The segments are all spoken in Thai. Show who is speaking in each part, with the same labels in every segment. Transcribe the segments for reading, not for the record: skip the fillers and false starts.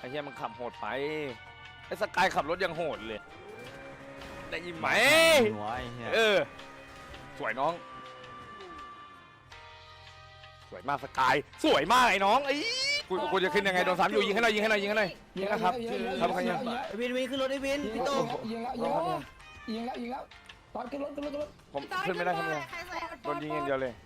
Speaker 1: เหี้ยมันขับโหดไปไอ้สกายขับรถยังโหดเลยได้ยินไหมสวยน้องสวยมากสกายสวยมากไอ้น้องไอ้กูจะขึ้นยังไงโดน3อยู่ยิงให้หน่อยยิงนะครับครับครับ
Speaker 2: วินขึ้นรถไอ้วินพี่โต้
Speaker 3: ยิงแล้วตอนขึ้นรถ
Speaker 1: ผมขึ้นไม่ได้ครับเนี่ยโดนยิงอย่างเดียวเลย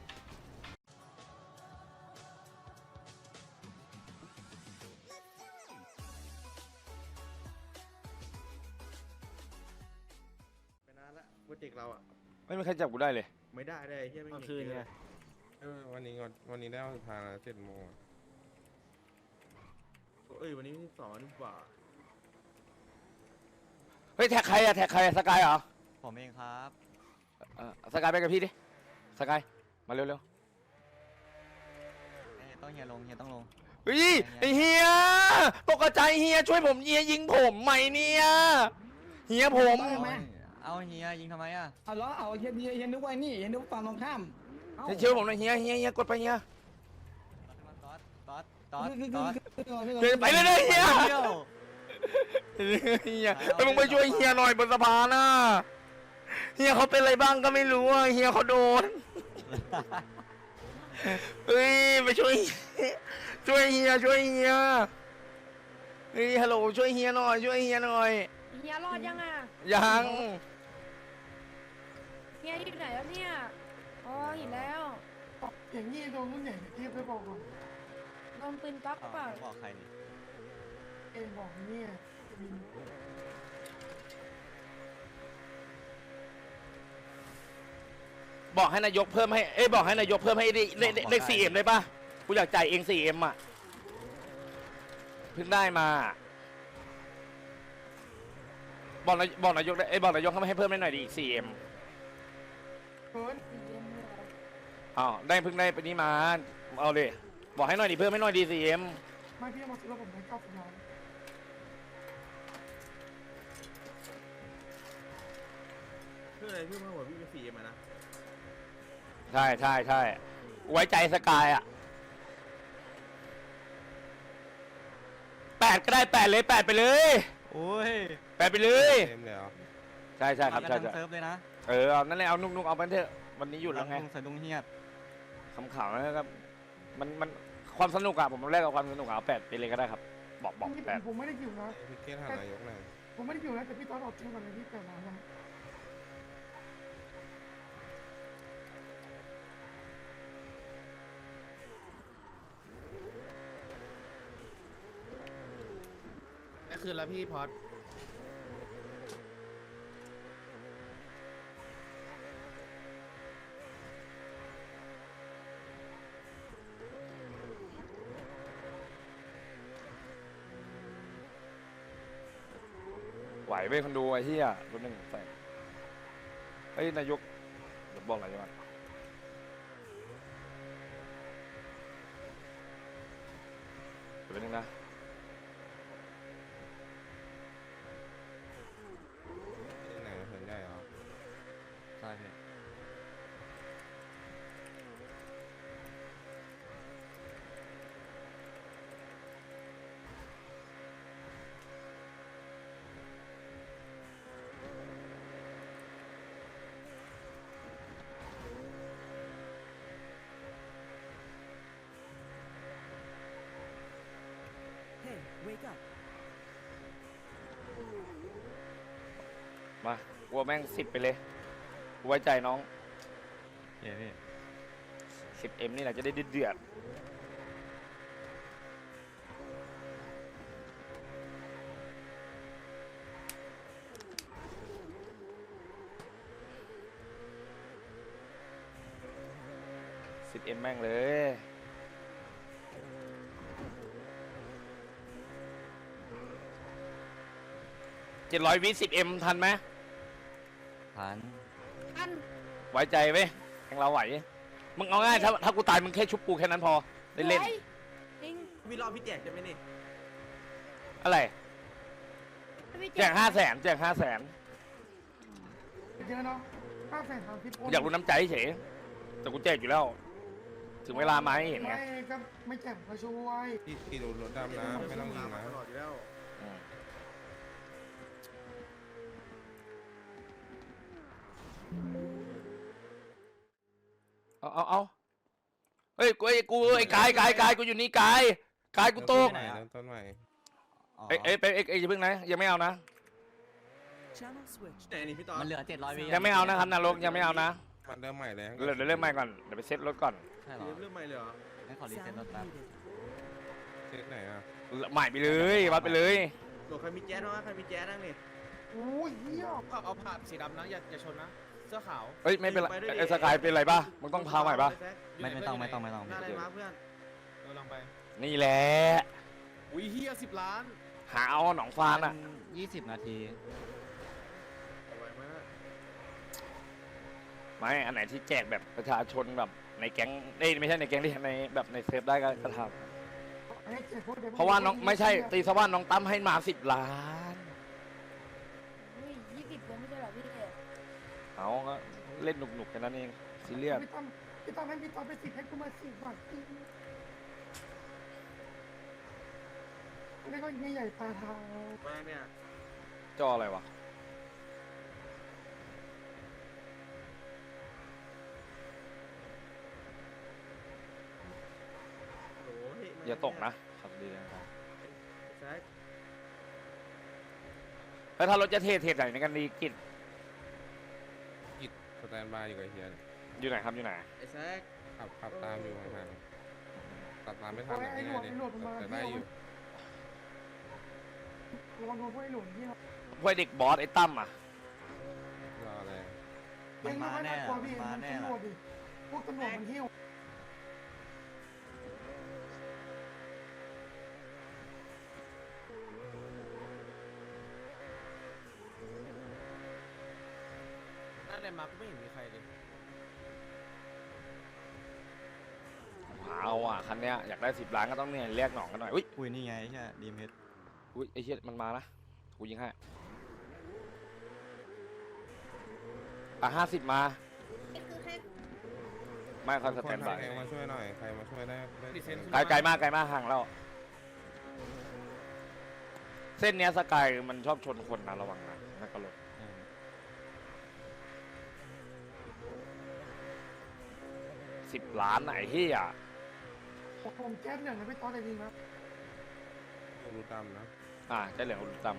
Speaker 4: โปรเจกต์เราอ่ะ
Speaker 1: ไม่มีใครจับกูได้เลย
Speaker 4: ไม่ได้เฮียไม่มี
Speaker 2: คืนไง
Speaker 4: วันนี้ได้วันสุดท้ายแล้ว7 โมงวันนี้2 กว่า
Speaker 1: เฮ้ยแท็กใครอะสกายเหรอ
Speaker 2: ผมเองครับ
Speaker 1: สกายไปกับพี่ดิสกายมาเร็ว
Speaker 2: ต้องเฮียต้องลง
Speaker 1: เฮ้ยไอเฮียตกใจเฮียช่วยผมเฮียยิงผมไหมเนี่ยเฮียผม
Speaker 2: เอาเฮียยิงทำไมอ่ะ
Speaker 3: เอาล้อเอาเฮียนึกว่านี่เฮียนึกฝั่งตรงข้าม
Speaker 1: ช่วยผมหน่อยเฮียกดไปเฮีย
Speaker 2: ตอด
Speaker 1: ไปเลยเฮียมึงไปช่วยเฮียหน่อยบนสะพานน่ะเฮียเขาเป็นอะไรบ้างก็ไม่รู้เฮียเขาโดนเฮ้ยไปช่วยเฮียเฮ้ยฮัลโหลช่วยเฮียหน่อยเฮีย
Speaker 5: รอดยังอ่ะ
Speaker 1: ยัง
Speaker 5: เฮียอยู่ไหนแล้วเนี่ยอ๋อเห็นแล้ว
Speaker 3: อย่างนี้โดนรุ่นใหญ่ที่ไปบอกก่อน
Speaker 5: โดนปืนก๊อกเปล่า
Speaker 2: บอกใครนี่
Speaker 3: เอ็งบอกเนี่ย
Speaker 1: บอกให้นายกเพิ่มให้บอกให้นายกเพิ่มให้เลข 4M ได้ป่ะกูอยากจ่ายเอง 4M อ่ะเพิ่งได้มาบอกนายกได้บอกนายกให้เพิ่มได้หน่อยดิอีก 4M ได้เพิ่งได้ไปนี้มาเอาเลยบอกให้หน่อยดิเพิ่มให้หน่อยดิ 4M
Speaker 3: ไม่พี่มาซื้อแล้วผมได้90 ล้าน
Speaker 4: เพื่ออะไรเพื่อมาหัวพี่เป็น4 มานะ
Speaker 1: ใช่ไว้ใจสกายอ่ะ8ก็ได้8เลย8ไปเลย
Speaker 2: โอ้ย
Speaker 1: 8ไปเลยใช่ครับใช่
Speaker 2: เซิร์ฟเลยนะ
Speaker 1: เอานั่นแหละเอานุ่งเอาไปเถอะวันนี้หยุดแล้วไง
Speaker 2: สะดุ้งเฮีย
Speaker 1: ขำๆนะครับมันความสนุกอะผมแรกเอาความสนุกเอา8ไปเลยก็ได้ครับบอก8
Speaker 3: ผมไม่ได้อยู่นะ
Speaker 4: พี่เกศหานายกหน่อย
Speaker 3: ผมไม่ได้อยู่นะแต่พี่ตอนออกชื่อมาเลยที่8 ล้านนะ
Speaker 4: ได้คืนแล้วพี่พอด
Speaker 1: ไหวไปคนดูไอ้เหี้ยรุ่นหนึ่งใส่นายกเดี๋ยวบอกนายกก่อนเดี๋ยวนึงนะ
Speaker 4: ไหนเห็นได้เหรอ
Speaker 2: ใช่พี่
Speaker 1: มากลัวแม่ง10ไปเลยไว้ใจน้อง
Speaker 2: พี่
Speaker 1: 10M นี่แหละจะได้เดือด10M แม่งเลย700 วิ 10M ทันไหม
Speaker 2: ทัน
Speaker 1: ไว้ใจไหมแข่งเราไหวมึงเอาง่ายถ้ากูตายมึงแค่ชุบกูแค่นั้นพอได้เล่น
Speaker 4: พี่รอพี่แจกจะไหมนี่
Speaker 1: อะไรแจก500,000แจก500,000
Speaker 3: เยอะเนาะ530,000
Speaker 1: อยากรู้น้ำใจเฉยแต่กูแจกอยู่แล้วถึงเวลามาให้เห็นไง
Speaker 3: ไม่ก็ไม่แจ่มก็ช่วย
Speaker 4: พี่ดูรถดำนะไม่ต้องยิงนะ
Speaker 1: อืมเอาเฮ้ยกูไอ้กายกูอยู่นี่กายกูตก
Speaker 4: เริ่มต้นใหม่
Speaker 2: อ๋อ
Speaker 1: เอ้ยอย่าเพิ่งนะยังไม่เอานะ
Speaker 6: Channel switched.
Speaker 7: ไหนนี่พี่ต่อ
Speaker 2: มันเหลือ700 วิ
Speaker 1: ยังไม่เอานะครับนรกยังไม่เอานะ
Speaker 4: มันเริ่มใหม่เลย
Speaker 1: เดี๋ยวเริ่มใหม่ก่อนเดี๋ยวไปเซ็ตรถก่อน
Speaker 2: ใช่เหรอ
Speaker 7: เริ่มใหม่เลยเหรอ
Speaker 2: งั้นขอรีเซ็ต
Speaker 6: Sound
Speaker 2: รถแป๊บ
Speaker 6: muted.
Speaker 4: เช็คไหนอ่ะ
Speaker 1: ใหม่ไปเลยวัดไปเลย
Speaker 7: โหลใครมีแจ๊สบ้างใครมีแจ๊สบ้างนี่
Speaker 3: โอ้ยเหี้ย
Speaker 8: เอาผ่าสีดำนะอย่าชนนะ เสื้อขาว
Speaker 1: เฮ้ยไม่เป็นไรไอ้สกายเป็นไรป่ะมึงต้องพาใหม่ป่ะ
Speaker 2: ไม่ต้อง
Speaker 7: หน้าอะไรมาเพื่อน
Speaker 8: เราลองไป
Speaker 1: นี่แหละ
Speaker 8: อุ้ยเฮีย10 ล้าน
Speaker 1: หาเอาหนองฟานอ่ะ
Speaker 2: 20 นาที
Speaker 7: เอาไว้มาก
Speaker 1: ไม่อันไหนที่แจกแบบประชาชนแบบในแก๊งไม่ใช่ในแก๊งที่ในแบบในเซฟได้ก็ท
Speaker 3: ให้เจ็บพวกเด็ก
Speaker 1: ำเพราะว่าน้องไม่ใช่ตีสว่าน้องตั้มให้มา10 ล้าน
Speaker 5: อุ้ย20คนไม่ใช่เหรอพี่
Speaker 1: เอาก็เล่นหนุกๆกันนั่นเองซีเรียส
Speaker 3: พี่ตั้มให้พี่ตั้มไป10ให้กูมา10บาทนี่ก็ไม่ใหญ่ตาเทา
Speaker 7: แม่เนี่ย
Speaker 1: จออะไรวะ
Speaker 7: โอ้ย
Speaker 1: อย่าตกนะครับดีนะครับ
Speaker 7: แซ็ค
Speaker 1: แล้วถ้ารถจะเทไหนในกันดีกิจ
Speaker 4: สแตนบายอยู่กับเฮีย
Speaker 1: อยู่ไหนครับอยู่ไหน
Speaker 7: ไอ้แซ็ค
Speaker 4: ขับตามอยู่ห่างๆขับตามไม่ทัน
Speaker 3: ไอ้หลวดมันมา
Speaker 4: แต่ได้อยู่
Speaker 3: ระวังโดนพวกไอ้หลวดที่เรา
Speaker 1: พวกเด็กบอสไอ้ตั้มอ่ะ
Speaker 4: รออะไร
Speaker 2: มันมาแน่
Speaker 3: กลัวพี่
Speaker 2: มา
Speaker 3: มัน
Speaker 2: แน่
Speaker 3: ตำรวจดิพวกตำรวจมันหิ้ว
Speaker 8: นั่นอะไรมาก็ไม่เห็นมีใครเลย
Speaker 1: เอาอ่ะคันเนี้ยอยากได้10 ล้านก็ต้องเนี่ยเรียกหนองกันหน่อยอุ้ย
Speaker 2: อุ้ยนี่ไงใช่ดีมเฮด
Speaker 1: อุ้ยไอ้เหี้ยมันมานะกูยิงให้อ่ะ50 มาไม่เขาสแตนบาย
Speaker 4: ใครมาช่วยหน่อยใครมาช่วยได้
Speaker 8: ดิเซน
Speaker 1: ไกลมากห่างแล้วเส้นเนี้ยสกายมันชอบชนคนนะระวังนะนักกระโดด10 ล้านไหนเฮีย
Speaker 3: ผมแก๊สเหลืองนะพี่ต๊อดแต่จริงนะ
Speaker 4: ดูดำนะ
Speaker 1: เจ้าเหลืองอุลตรัม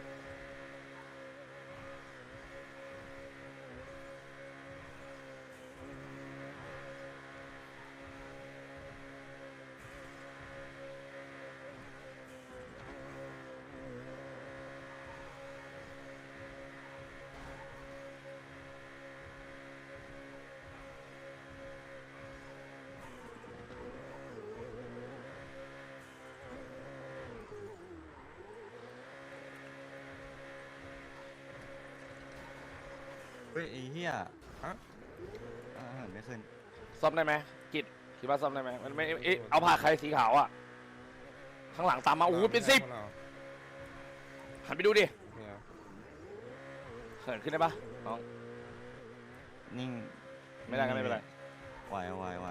Speaker 2: เฮ้ยไอ้เหี้ยเหินไม่ขึ้น
Speaker 1: ซ่อมได้ไหมกิจคิดว่าซ่อมได้ไหมมันไม่เอาผ่าใครสีขาวอ่ะข้างหลังตามมาโอ้โหเป็น10หันไปดูดิ
Speaker 4: เนี่ย
Speaker 1: เหินขึ้นได้ปะน้อง
Speaker 2: นิ่ง
Speaker 1: ไม่ได้ก็ไม่เป็นไร
Speaker 2: ไหว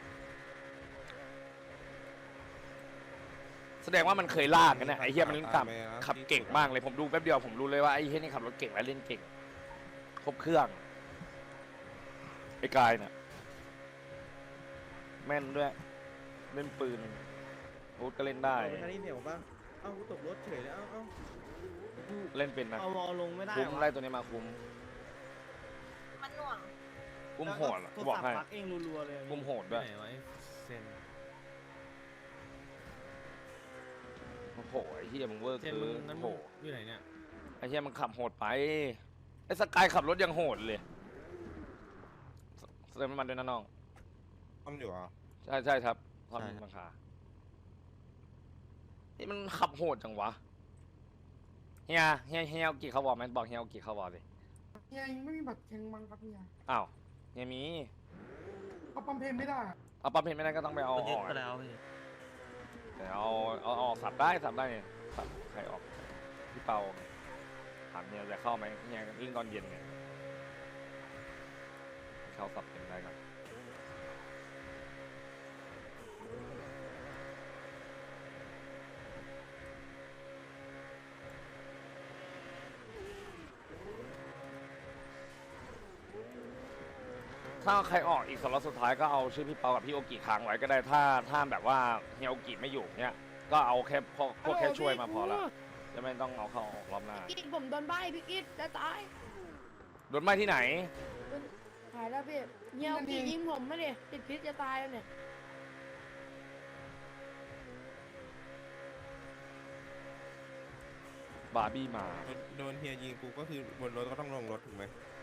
Speaker 1: แสดงว่ามันเคยลากกันเนี่ยไอ้เฮียมันขับเก่งมากเลยผมดูแป๊บเดียวผมรู้เลยว่าไอ้เฮียนี่ขับรถเก่งและเล่นเก่งครบเครื่องไอ้กายเนี่ยแม่นด้วยเล่นปืนอาวุธก็เล่นได้
Speaker 7: เอาไปคันนี้เหนียวป่ะเอ้ากูตกรถเฉยเลยเอ้า
Speaker 1: เล่นเป็นนะ
Speaker 7: เอาวอลลงไม่ได้
Speaker 1: คุ้มไล่ตัวนี้มาคุ้ม
Speaker 5: มันหน่วง
Speaker 1: คุ้มโหดอะกูบอกให้
Speaker 7: ปักเองรัวๆเลย
Speaker 1: คุ้มโหดด้วย
Speaker 8: ไหนวะไอ้เซน
Speaker 1: โอ้โหไอ้เฮียมึงเวอร์
Speaker 8: เซน
Speaker 1: เกิ
Speaker 8: มึง
Speaker 1: น
Speaker 8: นั้น
Speaker 1: โอ้
Speaker 8: มึ
Speaker 1: โห
Speaker 8: งอยู่ไหนเนี่ย
Speaker 1: ไอ้เฮียมันขับโหดไปไอ้สกายขับรถยังโหดเลยเติมน้ำมันด้วยนะน้อง
Speaker 4: ต้อมอยู่อ่ะ
Speaker 1: ใช่ครับความมีราคานี่มันขับโหดจังวะเฮียเอากี่เขาบอกไหมบอกเฮียเอากี่เขาบอกสิ
Speaker 3: เฮียยังไม่มีบัตรแข่งมังครับเฮีย
Speaker 1: อ้าวเฮียมี
Speaker 3: เขาปั๊มเพลงไม่ได้อะ
Speaker 1: เอาปั๊มเพนไม่ได้ก็ต้องไปเอาออกเดี๋ยวเอาออกสับได้เนี่ยสับใครออกพี่เปาถามเฮียจะเข้าไหมเฮียเล่นตอนเย็นไงเขาสับเป็นได้ครับถ้าใครออกอีกสล็อตสุดท้ายก็เอาชื่อพี่เปากับพี่โอกิค้างไว้ก็ได้ถ้าแบบว่าเฮียโอกิไม่อยู่เนี้ยก็เอาแค่พวกแค่ช่วยมาพอละจะไม่ต้องเอาเข้าออกรอบหน้า
Speaker 5: กิดผมโดนใบพี่กิดจะตาย
Speaker 1: โดนไหม้ที่ไหน
Speaker 5: หายแล้วพี่เงี้ยกี่ยิงผมไม่ดิติดพิษจะตายแล้วเนี่ย
Speaker 1: บาร์บี้มา
Speaker 4: โดนเฮียยิงกูก็คือบนรถก็ต้องลงรถถูกไหม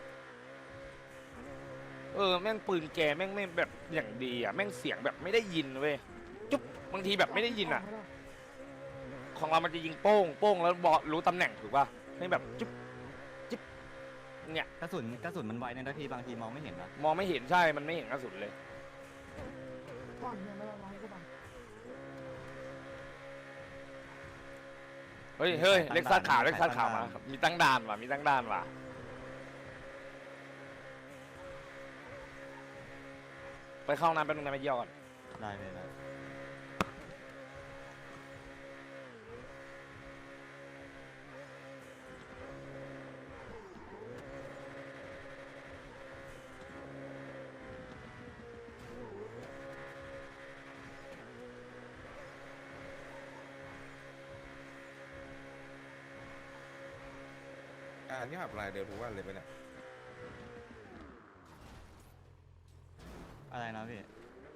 Speaker 1: แม่งปืนแกแม่งไม่แบบอย่างดีอ่ะแม่งเสียงแบบไม่ได้ยินเว้ยจุ๊บบางทีแบบไม่ได้ยินอ่ะ ของเรามันจะยิงโป้งโป้งแล้วบอกรู้ตำแหน่งถูกป่ะไม่แบบจุ๊บจิ๊บเนี่ย
Speaker 2: กระสุนมันไวเนี่ยนะพี่บางทีมองไม่เห็นนะ
Speaker 1: มองไม่เห็นใช่มันไม่เห็นกระสุนเลย
Speaker 3: ก่อนเนี่ยไม่ละร้อยกว่าบาท
Speaker 1: เฮ้ยเล็กซัสขาวเล็กซัสขาวมามีตั้งด่านว่ะมีตั้งด่านว่ะไปเข้าน้ำแป๊บนึงนะไปเยี่ยวก่อน
Speaker 2: ได้เลยนะ
Speaker 4: การที่ขับลายเดิมทุกวันเลยไปเนี่ย
Speaker 2: อะไรนะพี่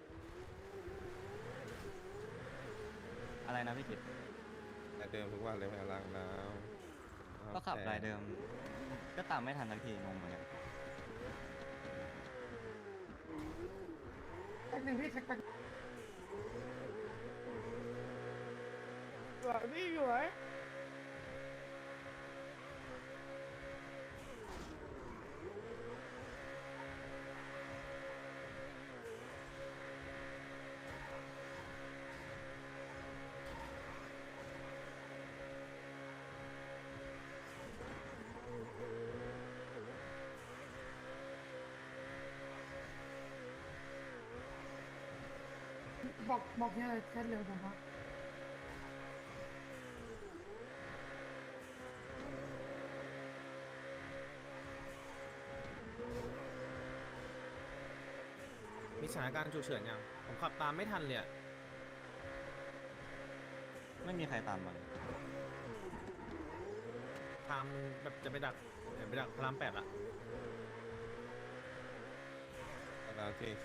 Speaker 2: อะไรนะพี่กิต
Speaker 4: ลายเดิมทุกวันเลยไปล้างน้ำ
Speaker 2: ก็ขับรายเดิมก็ตามไม่ทันสักทีงงเหมือนกัน
Speaker 3: แป๊บนึงพี่เช็คไป
Speaker 5: สวยพี่สวย
Speaker 3: บอกเนี่ยแค่เร็วผมว่า
Speaker 8: มีสถานการณ์ฉุกเฉินยังผมขับตามไม่ทันเลยอะ
Speaker 2: ไม่มีใครตามมา
Speaker 8: ตามแบบจะไปดักพระราม8ละ
Speaker 4: ร้านเจเค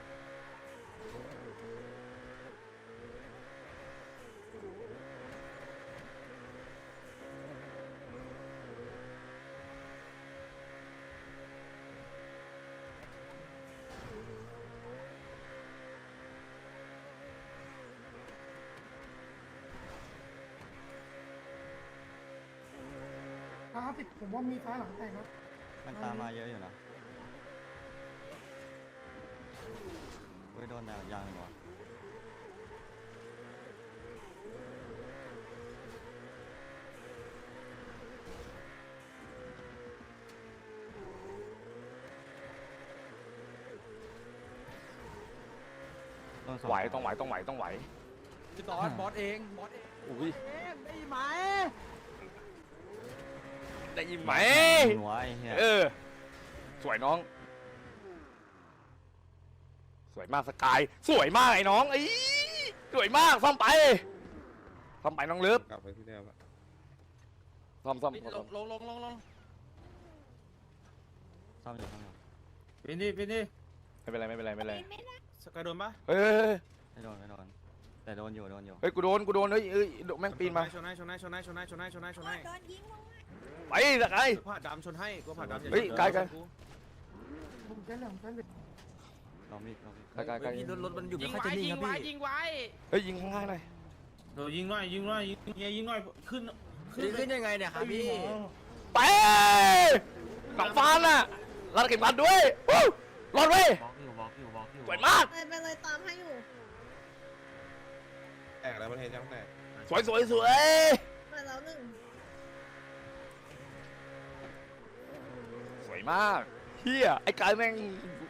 Speaker 3: 50ผมว่ามีซ้ายหลังแต่งนะ
Speaker 2: มันตามมาเยอะอยู่นะเฮ้ยโดนดาวยางเลยวะโดนส
Speaker 1: ไหวต้องไหวต้องไหวต้องไหว
Speaker 8: พี่ตอนบอสเอง
Speaker 1: อุ้ย
Speaker 8: ได้ไหม
Speaker 1: ได้ยินไหม
Speaker 2: หัวไอ้เหี้ย
Speaker 1: สวยน้อง สวยมากสกายสวยมากไอ้น้องสวยมากซ่อมไปน้องเลิฟ
Speaker 4: กลับไปที่เดิมอะ
Speaker 1: ซ่อม
Speaker 8: ลง
Speaker 2: ซ่อมอยู่
Speaker 8: เป็นดิ
Speaker 1: ไม่เป็นไรไม่เป็นไรไม่เป็นไร
Speaker 8: สกายโดนปะ
Speaker 1: เฮ้ย
Speaker 2: ไม่โดนแต่โดนอยู่
Speaker 1: เฮ้ยกูโดนเฮ้ยแม่งปีนมา
Speaker 8: ชนให้
Speaker 5: โดนยิงลงมา
Speaker 1: ไปสกาย
Speaker 8: ผ่าดำชนให้กูผ่าดำ
Speaker 1: เฮ้ยกาย
Speaker 3: ผมแค่เหลืองแค่เหลือง
Speaker 2: ลองมี
Speaker 1: กาย
Speaker 8: พี่รถมันอยู่ไม่ค่อยจะนิ่งครับพี่
Speaker 1: เฮ้ยยิงข้างล่างหน่อย
Speaker 7: โดนยิงหน่อยยิงหน่อยขึ้น
Speaker 8: ขึ้นยังไงเนี่ยครับพี่
Speaker 1: ไปหลังฟ้าน่ะรัดเข็มขัดด้วยวู้รอดเว้ยสวยมาก
Speaker 5: ไปเลยตามให้อยู่
Speaker 4: แตกแล้วประเทศยังแตก
Speaker 1: สวย
Speaker 5: มาแล้วหนึ่ง
Speaker 1: สวยมากเฮียไอ้กายแม่ง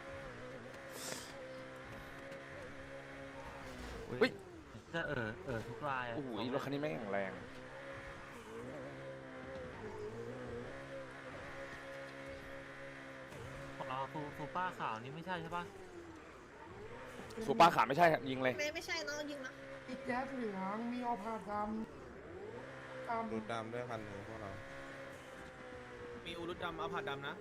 Speaker 1: เฮ้ย
Speaker 9: ก็ทุกราย
Speaker 1: โอ้โหรถคันนี้แม่งแข็งแรง
Speaker 9: รอซูป้าขาวนี่ไม่ใช่ใช่ปะ
Speaker 1: สูป้าขาไม่ใช่ยิงเลย
Speaker 5: ไม่ใช่น้องยิงนะ
Speaker 3: มีแจ๊สเหลืองมีออพาดำ
Speaker 4: ดูดำด้วยคันหนึงพวกเรา
Speaker 8: มีอูรุดดำเอาผาดดำนะ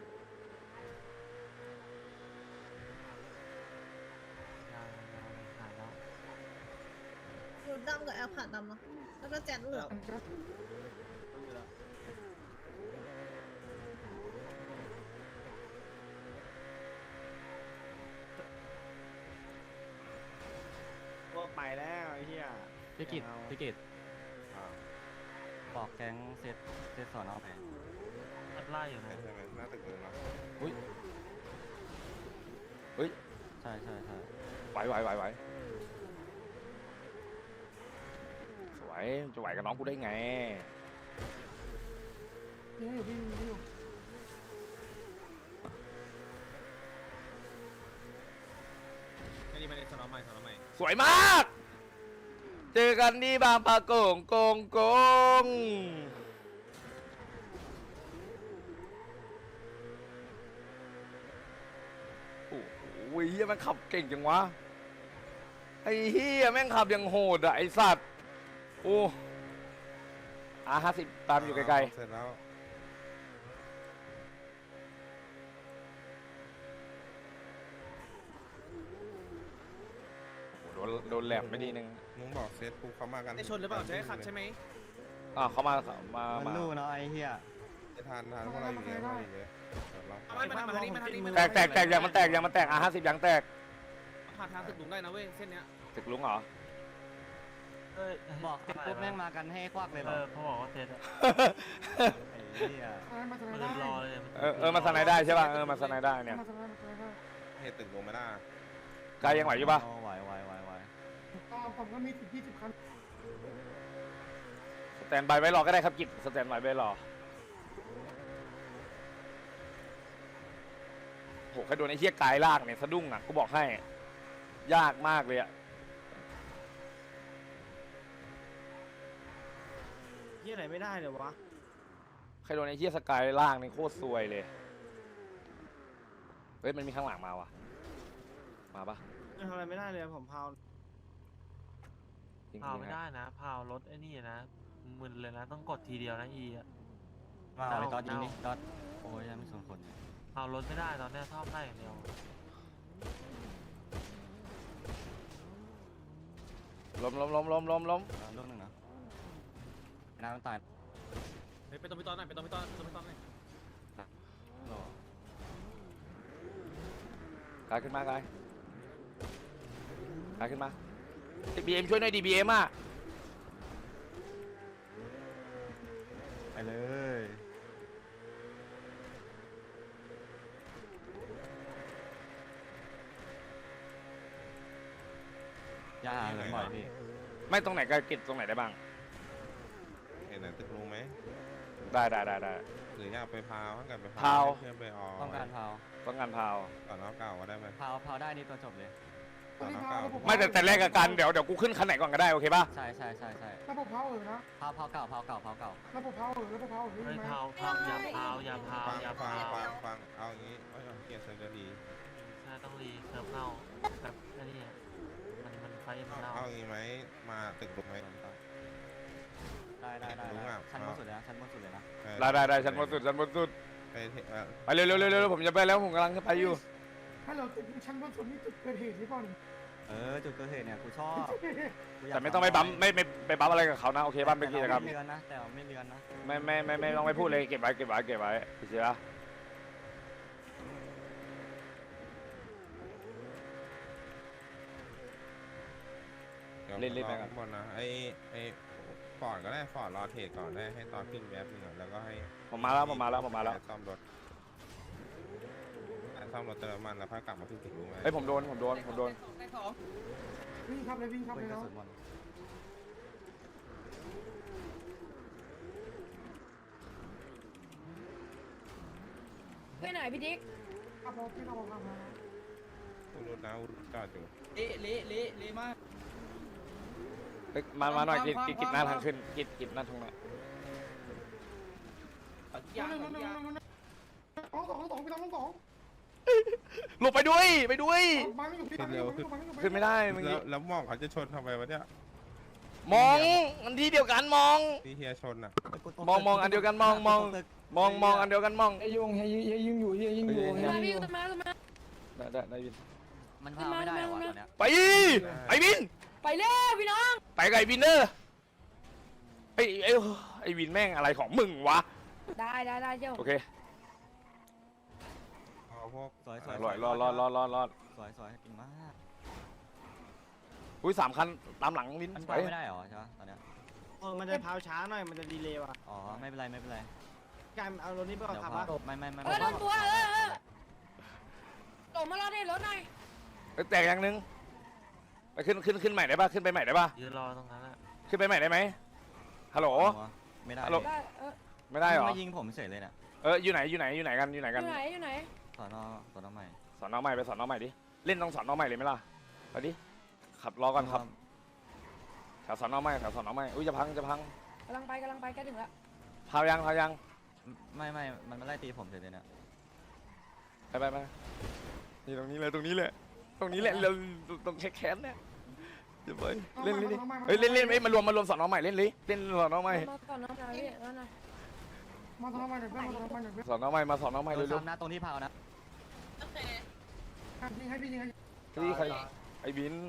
Speaker 9: หายแล้ว
Speaker 5: ดูดำกับแอลผ่าดำเนาะแล้วก็แจนเหลือง
Speaker 3: อันก็
Speaker 8: พวกไปแล้วไอ้เหี้ย
Speaker 2: พี่กิตพี่กิต
Speaker 4: อ่า
Speaker 2: บอกแก๊งเซตสอนอไป
Speaker 9: มันไล่อยู่
Speaker 4: ใช่
Speaker 9: นะ
Speaker 4: ใช่ไหมหน้าตึกเลยเนาะ
Speaker 1: อุ้ยเฮ้ย
Speaker 2: ใช่ใช่ใช่
Speaker 1: ไหวสวยจะไหวกับน้องกูได้ไง
Speaker 3: ยิงอยู่พี่ยิงอยู่
Speaker 8: ไม่ดีไม่ได้สนอใหม่สนอใหม่
Speaker 1: สวยมาก เจอกันที่บางปะกงโกงโอ้โหเฮียแม่งขับเก่งจังวะ ไอ้เฮียแม่งขับยังโหดอ่ะไอ้สัตว์ โอ้50ตามอยู่ไกล
Speaker 4: เสร็จแล้ว
Speaker 1: ๆโดนแหลมไม่ดีนึง
Speaker 4: มึงบอกเซตกูเขามากัน
Speaker 8: ได้ชนหรือเปล่าจะให้ขัดใช่ไหม
Speaker 1: เขามา
Speaker 2: มันรู้เนาะไอ้เหี้ย
Speaker 4: จะทานพวกเราอยู่เยอะพวกเราอยู่เยอะเดี๋ยวเรา
Speaker 8: เอาไม่มาทางนี้มาทางนี้
Speaker 1: แตกยังมันแตก50ยังแตก
Speaker 8: ผ่านทางตึกหลุมได้นะเว้ยเส้นเนี้ย
Speaker 1: ตึกลุงเหรอ
Speaker 9: เอ้ย
Speaker 2: บอกเสร็จปุ๊บแม่งมากันให้ควักเลยเหรอ
Speaker 9: เขาบอกว่าเซตอะ
Speaker 2: ไอ้เหี้ย
Speaker 3: อะไรมาทำไม
Speaker 9: มัน
Speaker 3: ได้
Speaker 9: รอเลย
Speaker 1: มาสไนได้ใช่ป่ะมาสไนได้เนี่ย
Speaker 3: มาทำไมได้
Speaker 4: เหตุตึกลงไม่ได้
Speaker 1: กายยังไหวอยู่ป่ะ
Speaker 2: ไหว
Speaker 3: ผมก็มี10-20 คัน
Speaker 1: สแตนบายไว้รอก็ได้ครับกิจสแตนบายไว้รอโหแค่โดนไอ้เหี้ยกายลากเนี่ยสะดุ้งอ่ะกูบอกให้ ยากมากเลยอ่ะ
Speaker 8: เหี้ยไหนไม่ได้เลยวะ
Speaker 1: ใครโดนไอ้เหี้ยสกายลากเนี่ยโคตรซวยเลยเฮ้ยมันมีข้างหลังมาว่ะมาปะ
Speaker 8: ทำอะไรไม่ได้เลยผมพาว
Speaker 1: จริง
Speaker 9: พาว
Speaker 1: ๆ
Speaker 9: ไม่
Speaker 1: นะ
Speaker 9: ได้นะพาวรถไอ้นี่นะมึนเลยนะต้องกดทีเดียวนะอีอะ
Speaker 2: มาเอาไปตอนยิงนี่ตอนโอ้ยยังไม่สนคนเนี่ย
Speaker 9: พาวรถไม่ได้ตอนเนี้ยชอบได้อย่างเดียว
Speaker 1: ล้ม
Speaker 2: ลูกหนึ่งนะน้ำมันตาย
Speaker 8: ไปตรงไปตอนไหนไปตรงไปตอนไหน
Speaker 2: รอก
Speaker 1: ายขึ้นมากายขึ้นมา BM ช่วยหน่อยดิ BM อ่ะ
Speaker 2: ไปเลยอย่าหาเหลือบ่อยพี่
Speaker 1: ไม่ตรงไหนกายกิจตรงไหนได้บ้าง
Speaker 4: เห็นไหนตึกลงไหม
Speaker 1: ได้
Speaker 4: หรืออยากไปพาวถ้าเกิดไป
Speaker 1: พาว
Speaker 4: เพื่อนไปออ
Speaker 2: ต้องการพาว
Speaker 1: ต้องการพาว
Speaker 4: ก่อนน้องเก่าก็ได้ไหม
Speaker 2: พาวได้นี่ตัวจบเลย
Speaker 4: ก่อนน้องเก่า
Speaker 1: ไม่แต่แรกกับกันเดี๋ยวกูขึ้นคันไหนก่อนก็ได้โอเคป่ะ
Speaker 2: ใช่
Speaker 3: ระบบเผานะ
Speaker 2: พาวเก่า
Speaker 3: ระบบเผาระบบเผา
Speaker 9: เฮ้ย
Speaker 3: ใช่ไหม
Speaker 9: พาวอย่าพาว
Speaker 4: ฟังเอาอย่างนี้ไม่ต้องเกลียดเซอร์เดอรี
Speaker 9: ใช่ต้องรีเซิร์ฟเน่าแบบไอ้นี่มันไฟมันเน่า
Speaker 4: เอาอย่างนี้ไหมมาตึกลงไหม
Speaker 2: ได้ชั้นบนสุดเลยนะชั้นบนสุดเลยนะ
Speaker 1: ได้ชั้นบนสุด
Speaker 4: ไปเถอะ
Speaker 1: ไปเร็วผมจะไปแล้วผมกำลังจะไปอยู่
Speaker 3: ถ้าเราติดชั้นบนสุดนี่จุดเกิดเหตุหรือเปล่านี่
Speaker 2: จุดเกิดเหตุเนี่ยกูชอบ
Speaker 1: แต่ไม่ต้องไปบั๊มไม่ไปบั๊มอะไรกับเขานะโอเคบ้านเป็นกิจกรรม
Speaker 2: ไม่เลือนนะแต่ไม่เลือนนะ
Speaker 1: ไม่ต้องไปพูดเลยเก็บไว้เสีย
Speaker 4: เล่นไปกันบนนะไอ้ฟอร์ดก็ได้ฟอร์ดรอเทรดก่อนได้ให้ตอนขึ้นแวบนึงแล้วก็ให้
Speaker 1: ผมมาแล้ว
Speaker 4: ซ่อมรถเติมมันแล้วค่อยกลับมาขึ้นตึกรู้ไหม
Speaker 1: เฮ้ยผมโดน
Speaker 3: วิ่งครับเลย
Speaker 2: กระ
Speaker 3: แล้ว
Speaker 2: สุนหมด
Speaker 5: ไปไหนพี่ดิ๊ก
Speaker 3: ครับผมที่เราบอกมา
Speaker 4: รถนะจอดอยู่
Speaker 7: เละมาก
Speaker 1: มาหน่อยกิจหน้าทางขึ้นกิจหน้าทางไหน
Speaker 3: 2 ไปทาง2
Speaker 1: หลบไปด้วยไปด้วย
Speaker 3: บังอยู่พี่
Speaker 4: ขึ้นเร็วขึ้น
Speaker 1: ขึ้นไม่ได้เมื่อ
Speaker 4: แล้
Speaker 1: กี้
Speaker 4: วแล้วมองเขาจะชนทำไมวะเนี่ย
Speaker 1: มองอันที่เดียวกันมอง
Speaker 4: พี่เฮียชนอ่ะ
Speaker 1: มองอันเดียวกันมองอันเดียวกันมอง
Speaker 3: ไอ้ยุงเฮียยิงอยู่เฮียยิงอยู่
Speaker 5: มาพี่ตามมาตามมา
Speaker 1: ได้วิน
Speaker 2: มันพาไม่ได้เหรอวะตอนเนี้ย
Speaker 1: ไปไอ้วิน
Speaker 5: ไปเร็วพี่น้อง
Speaker 1: ไปกับไอ้วินเนอร์ไอ้วินแม่งอะไรของมึงวะ
Speaker 5: ได้เจ้า
Speaker 1: โอเค
Speaker 4: เอาพวก
Speaker 2: สวยสวย
Speaker 1: รอด
Speaker 2: สวยสวยเก่งมาก
Speaker 1: อุ้ย3 คันตามหลังวิน
Speaker 2: มัน
Speaker 1: ไป
Speaker 2: พาไม่ได้เหรอใช่ปะตอนเนี้ย
Speaker 8: มันจะพาวช้าหน่อยมันจะดีเลย์ว่ะ
Speaker 2: อ๋อไม่เป็นไรไม่เป็นไร
Speaker 8: การเอารถนี้ไปก่อน
Speaker 2: เดี๋ยว
Speaker 8: ขับ
Speaker 2: พา
Speaker 8: ปะ
Speaker 2: ไม่
Speaker 5: โดนตัวตกมารอได้รถหน่อย
Speaker 1: แตกอย่างนึงไปขึ้นใหม่ได้ป่ะขึ้นไปใหม่ได้ป่ะ
Speaker 9: ยืนรอตรงนั้นอะ
Speaker 1: ขึ้นไปใหม่ได้ไหมฮัลโหล
Speaker 2: ไม่ได้
Speaker 1: ฮัลโหล
Speaker 5: ได้
Speaker 1: ไม่ได้เหรอ
Speaker 2: มายิงผมเฉยเลยเนี่ย
Speaker 1: อยู่ไหนกัน
Speaker 5: อยู่ไหน
Speaker 2: สอนอใหม่
Speaker 1: สอนน้องใหม่ไปสอนน้องใหม่ดิเล่นต้องสอนน้องใหม่เลยไหมล่ะไปดิขับรอก่อนครับแถวสอนน้องใหม่อุ้ยจะพัง
Speaker 5: กำลังไปใกล้ถึงแล้ว
Speaker 1: พาวยัง
Speaker 2: ไม่มันมาไล่ตีผมเฉยเลยเนี่ย
Speaker 1: ไปนี่ตรงนี้เลยเราตรงแค้นเนี่ยเดี๋ยวไปเล่นดิเฮ้ยเล่นมารวมสอนน้องใหม่เล่นสอนน้องใหม่
Speaker 5: มาก่อนน้องชายพี่นั่นน่ะ
Speaker 3: มาทำไมเดี๋ยวมาทำไมเดี๋ยว
Speaker 1: สอนน้องใหม่มาสอนน้องใหม่
Speaker 2: โด
Speaker 1: เร็
Speaker 2: น
Speaker 1: ว
Speaker 2: ซ้ำนะตรงที่พาวนะ
Speaker 3: ยิงให้พี่ยิงให้
Speaker 1: ๆที่ใครไอ้บิน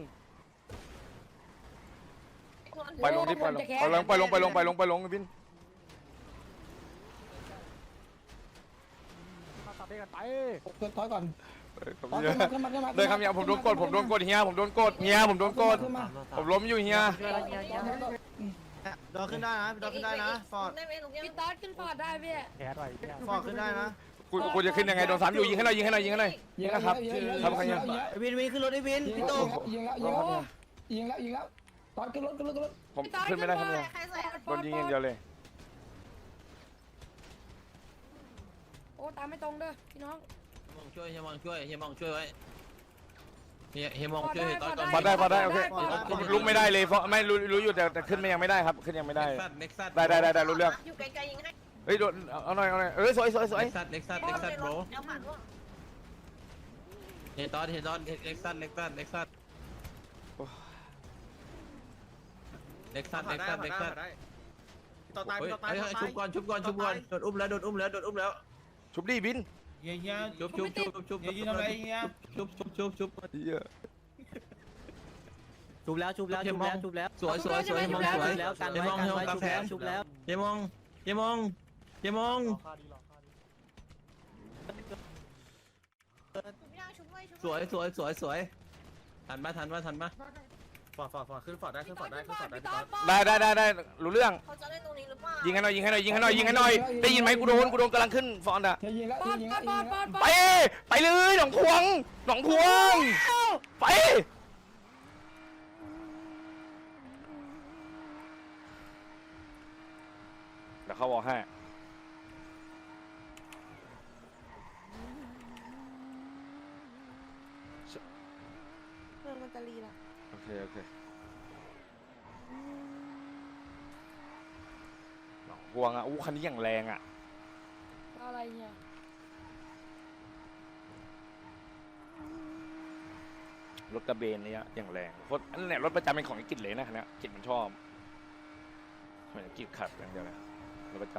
Speaker 1: ไปลงดิไปลงบิน
Speaker 3: ถอยก่อน
Speaker 1: เดินคำเฮียผมโดนกดเฮียผมโดนกดผมล้มอยู่เฮีย
Speaker 8: โดนขึ้นได้นะโดนขึ้นได้นะฟอร์ด
Speaker 5: พี่ต๊อดขึ้นฟอร์ดได้พี่
Speaker 8: ฟอร์ดขึ้นได้นะ
Speaker 1: กูจะขึ้นยังไงโดน3อยู่ยิงให้หน่อยยิงนะครับทำใครเนี่ย
Speaker 8: วินขึ้นรถไอ้วินพี่ตุ๊ก
Speaker 3: ยิงแล้วตอนขึ้นรถ
Speaker 1: ผมขึ้นไม่ได้ครับเนี่ยโดนยิงอย่างเดียวเลย
Speaker 5: โอ้ตามไม่ตรงเด้อพี่น้อง
Speaker 9: เฮียมองช่วยไว้เฮียมองช่วยตอนก่อน
Speaker 1: พอได้โอเคลุกไม่ได้เลยเพราะไม่รู้อยู่แต่ขึ้นไม่ยังไม่ได้ครับขึ้นยังไม่ได้
Speaker 9: เล็กซัส
Speaker 1: ได้รู้เรื่อง
Speaker 10: อยู่ไกลๆยิงให้
Speaker 1: เฮ้ยโดนเอาหน่อยสวย
Speaker 9: เล็กซัสโบร
Speaker 10: เดี๋ยวผ่านร่วง
Speaker 9: เฮียตอนเล็กซัสเล็กซัส
Speaker 8: ต่อตายต่อตาย
Speaker 9: ชุบก่อนโดนอุ้มแล้ว
Speaker 1: ชุบดิบิน
Speaker 7: เฮีย
Speaker 9: ชุบ
Speaker 7: เฮียยืนทำอะไรเฮีย
Speaker 9: ชุบ
Speaker 1: เหี้ย
Speaker 2: ชุบแล้ว
Speaker 9: สวยเฮียมองสวย
Speaker 2: แล้วกันไว้ชุบแล้ว
Speaker 9: เฮียมองสวยทันปะ
Speaker 8: ฟอร์ดขึ้นฟอร์ดได้พี่ต๊อด
Speaker 1: ได้รู้เรื่อง
Speaker 10: เขาจะเล่นตรงนี้หรือเปล่า
Speaker 1: ยิงให้หน่อยได้ยินไหมกูโดนกำลังขึ้นฟอนต์อะ
Speaker 3: ยิงแล้ว
Speaker 5: ปอด
Speaker 3: ยิง
Speaker 5: ปอดปอด
Speaker 1: ไปเลยหนองพวงไปเดี๋ยวเขาบอกให้
Speaker 5: เรื่องมันจะรีละ
Speaker 1: โอเคหนองพวงอ่ะคันนี้อย่างแรงอ่ะ
Speaker 5: อะไรเนี่ย
Speaker 1: รถกระเบนเนี่ยอย่างแรงโคตรอันนี้รถประจำเป็นของไอ้กิจเลยนะคันนี้กิจมันชอบเหมือนกิจขับอย่างเดียวเลยรถประจ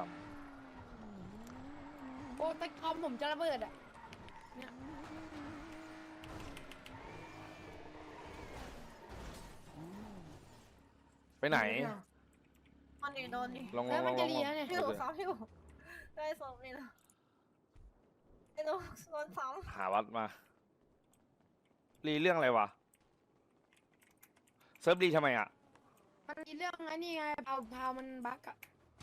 Speaker 5: โอ้ตะคอมผมจะระเบิดอ่ะเนี่ย
Speaker 1: ำไปไหน
Speaker 10: มันนี่โดนนี่
Speaker 1: ลอง
Speaker 5: แล้วมันจะรีแล้วเนี่ย
Speaker 10: พี่ซ้อมอยู่ได้ซ้อมนี่นะไอ้โดนซ้อม
Speaker 1: หาวัดมารีเรื่องอะไรวะเซิร์ฟรีทำไมอ่ะ
Speaker 5: มันมีเรื่องไอ้นี่ไงพาวมันบั๊กอะ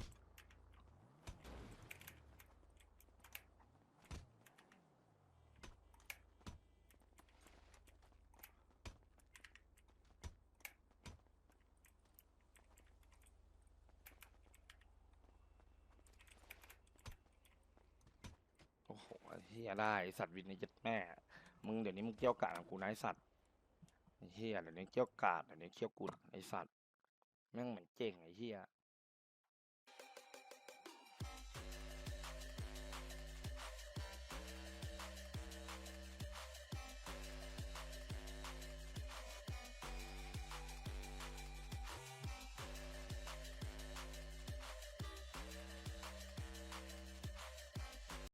Speaker 1: โอ้โหเฮียได้ไอ้สัตว์วินในเจ็ดแม่มึงเดี๋ยวนี้มึงเกี่ยวกาดกับกูนะไอ้สัตว์ไอ้เฮียเดี๋ยวนี้เกี่ยวกาดเดี๋ยวนี้เกี่ยวกูไอ้สัตว์แม่งเหมือนเจ๋งไอ้เฮีย